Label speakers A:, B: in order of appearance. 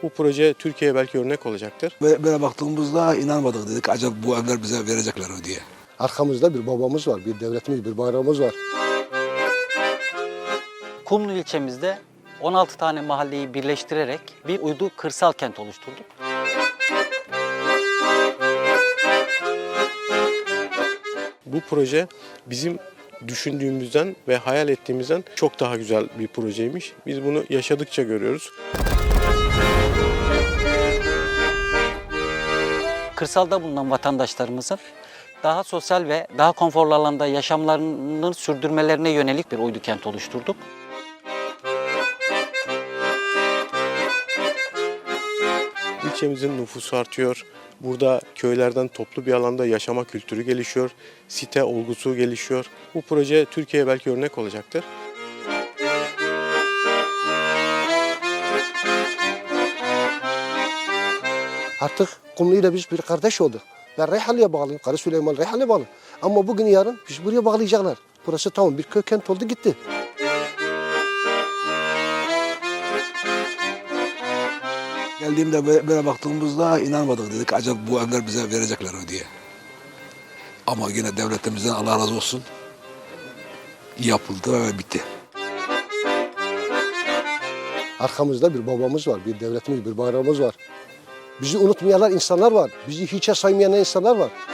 A: Bu proje Türkiye'ye belki örnek olacaktır.
B: Böyle baktığımızda inanmadık, dedik acaba bu evler bize verecekler mi diye.
C: Arkamızda bir babamız var, bir devletimiz, bir bayrağımız var.
D: Kumlu ilçemizde 16 tane mahalleyi birleştirerek bir uydu kırsal kent oluşturduk.
A: Bu proje bizim düşündüğümüzden ve hayal ettiğimizden çok daha güzel bir projeymiş. Biz bunu yaşadıkça görüyoruz.
D: Kırsalda bulunan vatandaşlarımızın daha sosyal ve daha konforlu alanda yaşamlarını sürdürmelerine yönelik bir uydu kent oluşturduk.
A: İlçemizin nüfusu artıyor. Burada köylerden toplu bir alanda yaşama kültürü gelişiyor. Site olgusu gelişiyor. Bu proje Türkiye'ye belki örnek olacaktır.
C: Artık Kumlu ile biz bir kardeş olduk. Ben Reyhanlı'ya bağlıyım, Karı Süleyman Reyhanlı'ya bağlı. Ama bugün yarın biz buraya bağlayacaklar. Burası tamam bir köy kent oldu gitti.
B: Geldiğimde böyle baktığımızda inanmadık, dedik acaba bu evler bize verecekler mi diye. Ama yine devletimizden Allah razı olsun yapıldı ve bitti.
C: Arkamızda bir babamız var, bir devletimiz, bir bayrağımız var. Bizi unutmayanlar insanlar var. Bizi hiçe saymayan insanlar var.